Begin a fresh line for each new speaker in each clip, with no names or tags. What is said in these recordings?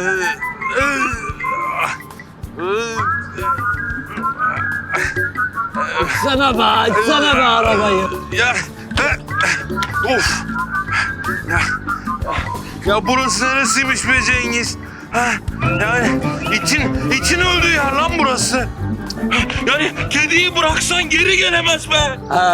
Açsana be arabayı.
Of. Ya burası neresiymiş be Cengiz? Ha? Yani için öldüğü yer lan burası. Yani kediyi bıraksan geri gelemez be.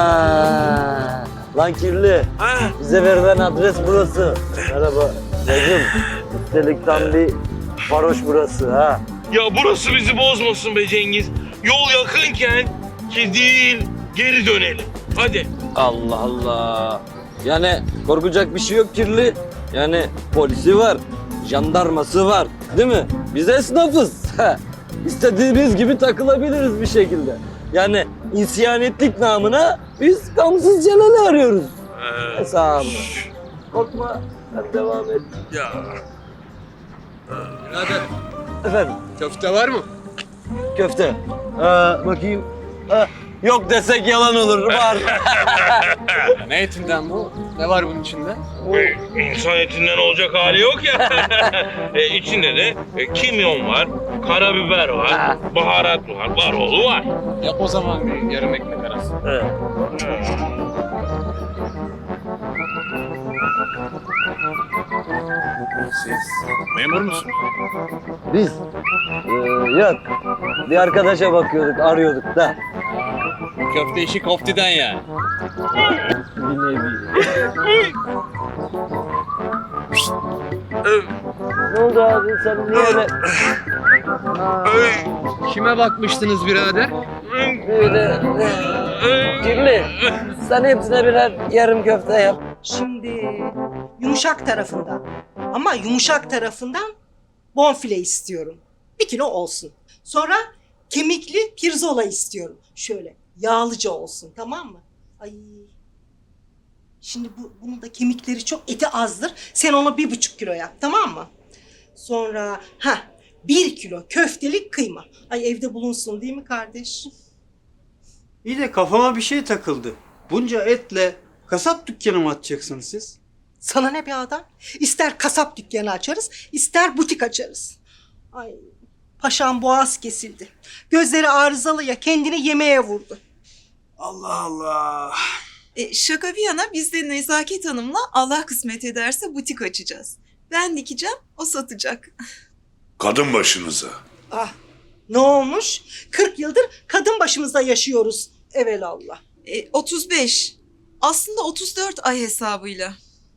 Lan kirli.
Ha?
Bize verilen adres burası. Merhaba. Bacım. Üstelik tam bir varoş burası ha.
Ya burası bizi bozmasın be Cengiz. Yol yakınken ki değil geri dönelim. Hadi.
Allah Allah. Yani korkacak bir şey yok kirli. Yani polisi var, jandarması var, değil mi? Biz esnafız. İstediğimiz gibi takılabiliriz bir şekilde. Yani isyanetlik namına biz gamsız Celal'i arıyoruz. Hesabı. Korkma, sen devam et.
Ya.
Birader,
Efendim,
köfte var mı?
köfte. Bakayım. Yok desek yalan olur, var.
Ne etinden bu? Ne var bunun içinde?
İnsan etinden olacak hali yok ya. İçinde de kimyon var, karabiber var, baharat var, baroğlu var.
Yap o zaman bir yarım ekmek arası. Siz memur musunuz?
Biz, yok. Bir arkadaşa bakıyorduk, arıyorduk da.
Bu köfte işi koftiden yani.
Bir nevi. Ne oldu abi, sen niye öyle...
Kime bakmıştınız birader?
Böyle... Kirli, sen hepsine birer yarım köfte yap.
Şimdi yumuşak tarafından ama yumuşak tarafından bonfile istiyorum. 1 kilo olsun. Sonra kemikli pirzola istiyorum. Şöyle yağlıca olsun, tamam mı? Ay. Şimdi bunun da kemikleri çok, eti azdır. Sen ona 1,5 kilo yap, tamam mı? Sonra 1 kilo köftelik kıyma. Ay evde bulunsun değil mi kardeş?
İyi de kafama bir şey takıldı. Bunca etle kasap dükkanı mı açacaksınız siz?
Sana ne be adam? İster kasap dükkanı açarız, ister butik açarız. Ay paşam boğaz kesildi. Gözleri arızalı ya, kendini yemeğe vurdu.
Allah Allah.
Şaka bir yana biz de Nezaket Hanım'la Allah kısmet ederse butik açacağız. Ben dikeceğim, o satacak.
Kadın başınıza.
Ah ne olmuş? 40 yıldır kadın başımızda yaşıyoruz evelallah.
35. Aslında 34 ay hesabıyla.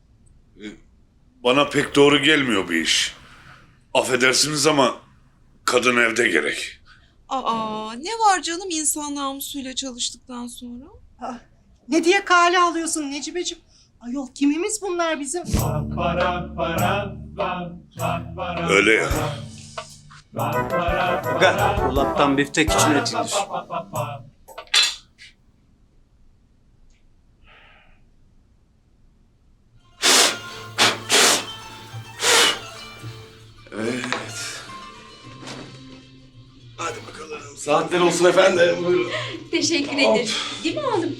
Bana pek doğru gelmiyor bir iş. Affedersiniz ama kadın evde gerek.
Aa, ne var canım insan namusuyla çalıştıktan sonra?
Ah, ne diye kale alıyorsun Necibeciğim? Ayol kimimiz bunlar bizim?
Öyle ya.
Aga, dolaptan biftek için etilir.
Hadi bakalım. Saatler olsun efendim. Buyurun.
Teşekkür ederim. Değil mi oğlum?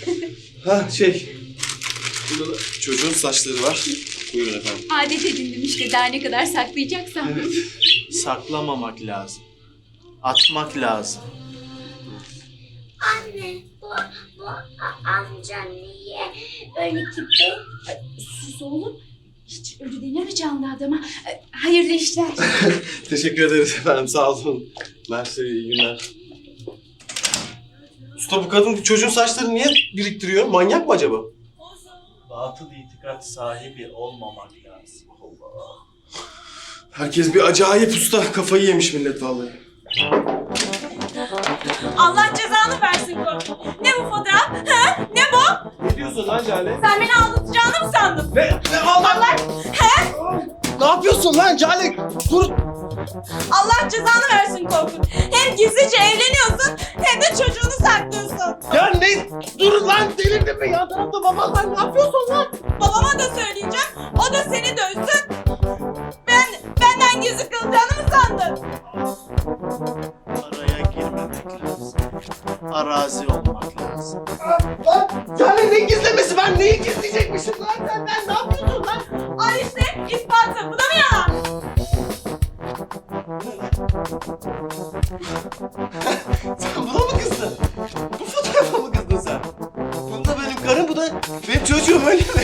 Burada da çocuğun saçları var. Buyurun efendim.
Adet edindim işte daha ne kadar saklayacaksam.
Evet.
Saklamamak lazım. Atmak lazım.
Anne, bu amca niye öyle gibi?
Sus oğlum. Hiç ölü denir mi canlı adama? Hayırlı işler.
Teşekkür ederiz efendim. Sağ olun. Mersi, iyi günler. Usta bu kadın çocuğun saçlarını niye biriktiriyor? Manyak mı acaba?
Batıl itikat sahibi olmamak lazım.
Allah. Herkes bir acayip usta. Kafayı yemiş millet vallahi.
Allah cezanı versin Korkut. Ne bu fotoğraf? Ha? Ne bu?
Ne diyorsun lan Cale?
Sen beni aldatacağını mı sandın?
Ne Allah? Ne yapıyorsun lan Cale? Dur.
Allah cezanı versin Korkut. Hem gizlice evleniyorsun hem de çocuğunu saklıyorsun.
Ya ne? Dur lan delirdin mi? Yan tarafta baban var. Ne yapıyorsun lan?
Babama da söyleyeceğim. O da seni dövsün. Benden gizli kalacağını mı sandın?
Araya girmemek lazım. Arazi olmak lazım.
Lan Cale ne gizlemesi? Ben neyi gizleyecekmişim lan? Sen ne yapıyorsun lan?
Al işte ispatı. Bu da mı yalan?
Sen buna mı kızdın? Bu fotoğrafa mı kızdın sen? Bu da benim karım, bu da benim çocuğum, öyle mi?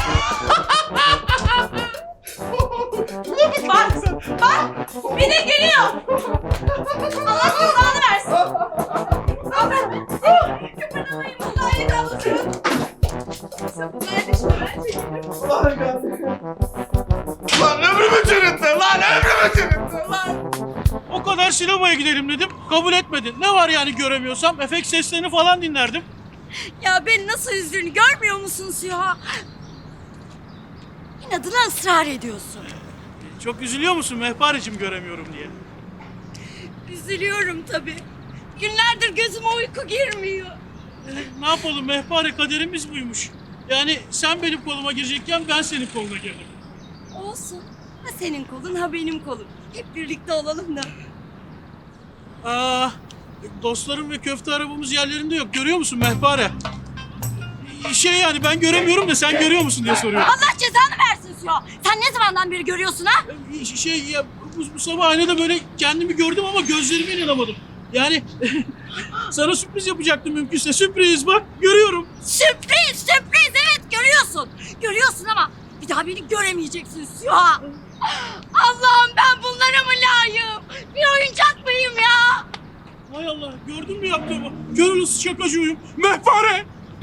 Buna mı kızdın sen?
Bir de geliyor. Allah cezanı versin. Kıpırdamayın vallahi kalırım. Sapıklar düşme.
Lan ömrümü çürüttün lan, ömrümü çürüttün lan.
O kadar sinemaya gidelim dedim. Kabul etmedin. Ne var yani göremiyorsam? Efekt seslerini falan dinlerdim.
Ya beni nasıl üzdüğünü görmüyor musunuz ya? İnadına ısrar ediyorsun.
Çok üzülüyor musun Mehpare'cim göremiyorum diye?
Üzülüyorum tabii. Günlerdir gözüme uyku girmiyor.
Ne yapalım Mehpare, kaderimiz buymuş. Yani sen benim koluma girecekken ben senin koluna girdim.
Olsun. Ha senin kolun ha benim kolum. Hep birlikte olalım da.
Dostlarım ve köfte arabamız yerlerinde yok. Görüyor musun Mehpare? Yani ben göremiyorum da sen görüyor musun diye soruyorum.
Allah cezanı versin Süha. Sen ne zamandan beri görüyorsun ha?
Ya bu sabah aynada böyle kendimi gördüm ama gözlerime inanamadım. Yani sana sürpriz yapacaktım mümkünse. Sürpriz bak, görüyorum.
Sürpriz evet görüyorsun. Görüyorsun ama bir daha beni göremeyeceksin Süha. Allah'ım ben bunlara mı layığım? Bir oyuncak mıyım ya?
Hay Allah, gördün mü yaptığımı? Gönül şakacıyım. Mehpare!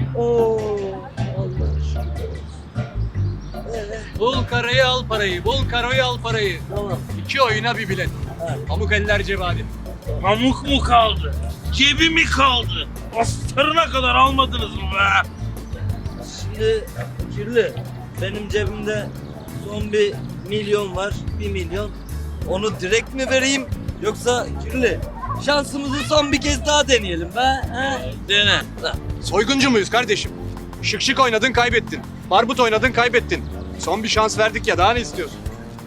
Bul karayı al parayı, bul karayı al parayı.
Tamam.
2 oyuna bir bilet. Pamuk eller cebadi.
Pamuk mu kaldı? Cebi mi kaldı? Astarına kadar almadınız mı be?
Şimdi kirli. Benim cebimde son 1 milyon var. 1 milyon. Onu direkt mi vereyim yoksa kirli? Şansımızı son bir kez daha deneyelim be. He?
Dene.
Soyguncu muyuz kardeşim? Şık şık oynadın kaybettin. Barbut oynadın kaybettin. Son bir şans verdik ya, daha ne istiyorsun?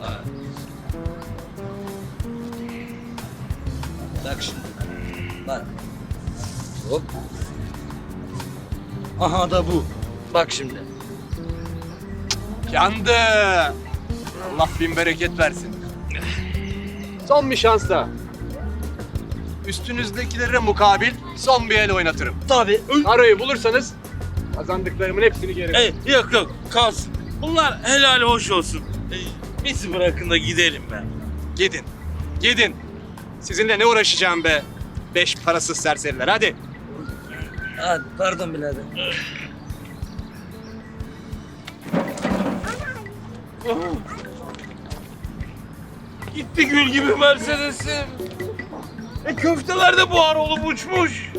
Bak şimdi. Bak. Hop. Aha da bu. Bak şimdi.
Yandı. Allah bin bereket versin. Son bir şans daha. Üstünüzdekilere mukabil son bir el oynatırım.
Tabii.
Karayı bulursanız kazandıklarımın hepsini geri.
Yok kalsın. Bunlar helal hoş olsun. Bizi bırakın da gidelim be.
Gidin. Sizinle ne uğraşacağım be? 5 parasız serseriler, hadi.
Hadi pardon birader.
Gitti gül gibi Mercedes'im. Köfteler de buhar olup uçmuş.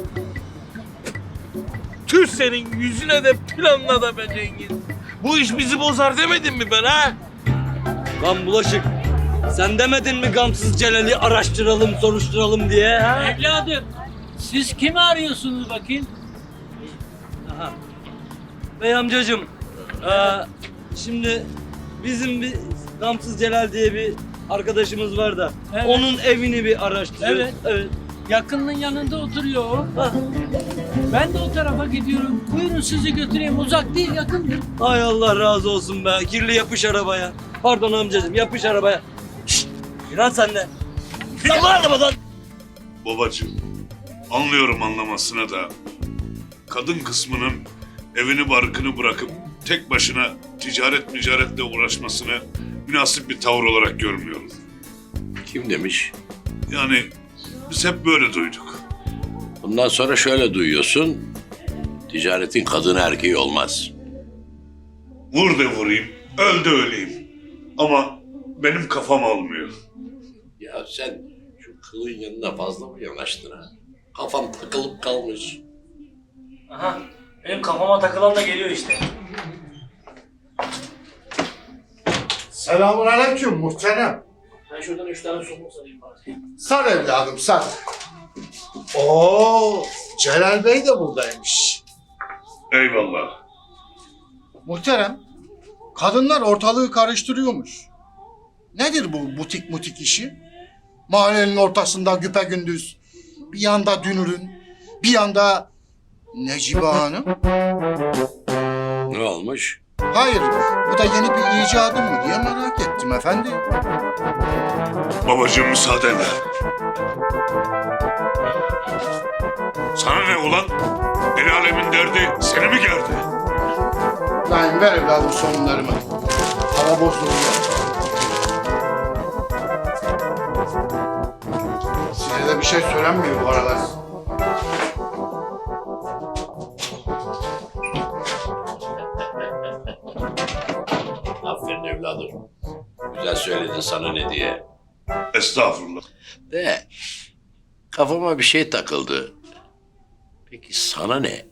Tüh senin yüzüne de planla da be Cengiz. Bu iş bizi bozar demedim mi ben ha?
Lan bulaşık. Sen demedin mi gamsız Celal'i araştıralım, soruşturalım diye ha?
Evladım, siz kimi arıyorsunuz bakayım?
Aha. Bey amcacığım, şimdi bizim bir gamsız Celal diye bir arkadaşımız var da
Evet.
onun evini bir araştırıyoruz.
Evet. Yakınının yanında oturuyor o.
Ah,
Ben de o tarafa gidiyorum. Buyurun sizi götüreyim. Uzak değil, yakındır.
Hay Allah razı olsun be. Kirli yapış arabaya. Pardon amcacığım, yapış arabaya. Şşt! İnan sen de. Sabır arabadan.
Babacığım, anlıyorum anlamasına da kadın kısmının evini barkını bırakıp tek başına ticaretle uğraşmasını münasip bir tavır olarak görmüyorum.
Kim demiş?
Yani biz hep böyle duyduk.
Bundan sonra şöyle duyuyorsun. Ticaretin kadın erkeği olmaz.
Vur de vurayım, öl de öleyim. Ama benim kafam almıyor.
Ya sen şu kılın yanına fazla mı yanaştın ha? Kafam takılıp kalmış.
Aha, benim kafama takılan da geliyor işte.
Selamünaleyküm muhterem.
Ben şuradan 3 tane somun sarayım bari.
Sar evladım sar. Oo, Celal Bey de buradaymış.
Eyvallah.
Muhterem, kadınlar ortalığı karıştırıyormuş. Nedir bu butik işi? Mahallenin ortasında güpegündüz. Bir yanda Dünür'ün, bir yanda Necibe Hanım.
Ne olmuş?
Hayır, bu da yeni bir icadım mı diye merak ettim efendi.
Babacığım müsaadenle. Sana ne ulan? El alemin derdi seni mi gerdi?
Lan ver evladım sonlarımı. Hava bozuluyor. Size de bir şey söylenmiyor bu aralar.
Aferin evladım. Güzel söyledin sana ne diye.
Estağfurullah.
De kafama bir şey takıldı. Peki sana ne?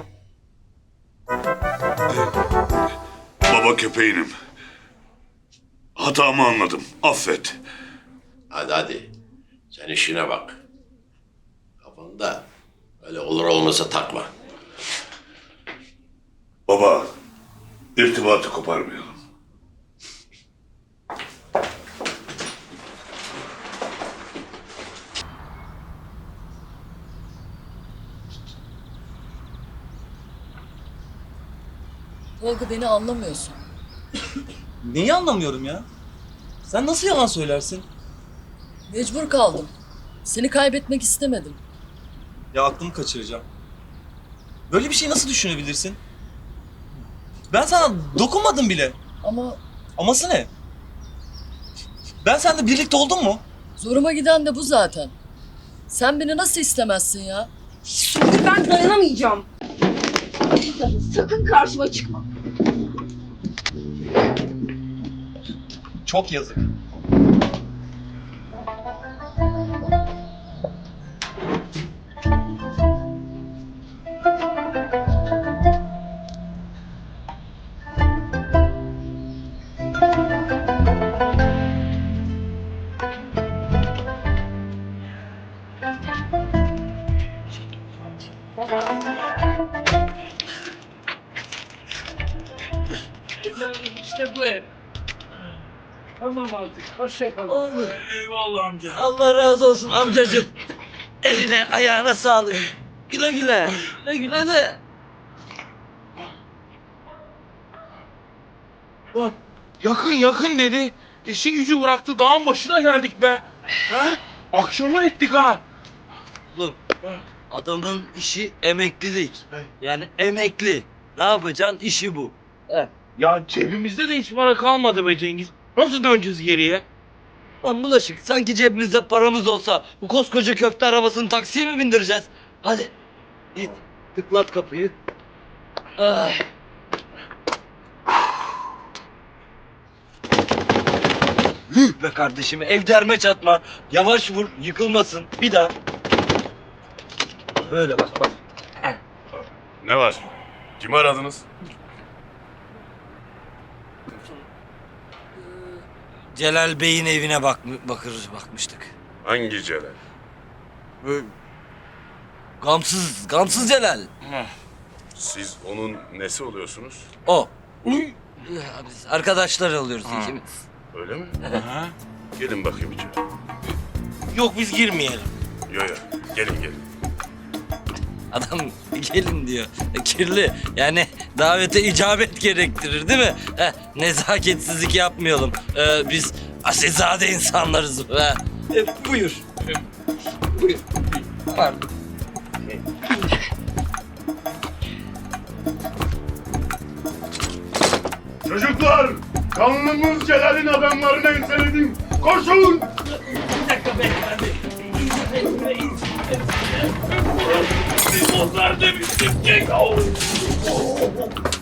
Baba köpeğinim. Hatamı anladım. Affet.
Hadi. Sen işine bak. Kafanda öyle olur olmasa takma.
Baba, irtibatı koparmayalım.
Tolga beni anlamıyorsun.
Neyi anlamıyorum ya? Sen nasıl yalan söylersin?
Mecbur kaldım. Seni kaybetmek istemedim.
Ya aklımı kaçıracağım. Böyle bir şey nasıl düşünebilirsin? Ben sana dokunmadım bile.
Ama
Aması ne? Ben seninle birlikte oldum mu?
zoruma giden de bu zaten. Sen beni nasıl istemezsin ya?
Şimdi ben dayanamayacağım. Sakın karşıma çıkma.
Çok yazık.
İşte bu ev. Tamam artık. Hoşçakalın. Eyvallah amca.
Allah razı olsun amcacığım. Eline ayağına sağlık. Güle güle. Güle güle de.
Bak yakın dedi. İşi gücü bıraktı dağın başına geldik be. Ha? Akşama ettik ha.
Oğlum adamın işi emeklilik. Yani emekli. Ne yapacaksın? İşi bu.
Ya cebimizde de hiç para kalmadı be Cengiz. Nasıl döneceğiz geriye?
Lan bulaşık sanki cebimizde paramız olsa bu koskoca köfte arabasını taksiye mi bindireceğiz? Hadi git tıklat kapıyı. Ay. Be kardeşim ev derme çatma. Yavaş vur yıkılmasın. Bir daha. Böyle bak.
Ne var? Kimi aradınız?
Celal Bey'in evine bakmıştık.
Hangi Celal?
Gamsız Celal.
Siz onun nesi oluyorsunuz?
O. Ya biz arkadaşlar oluyoruz ikimiz.
Öyle mi? Gelin bakayım içeri.
Yok biz girmeyelim.
Yo. Gelin.
Adam gelin diyor. Kirli. Yani davete icabet gerektirir değil mi? Nezaketsizlik yapmayalım. Biz asilzade insanlarız. Buyur. Buyur. Pardon.
Çocuklar! Kanlımız Celal'in adamlarını enseledim. Koşun!
Bir dakika beyefendi. Biz bozlar demiştik.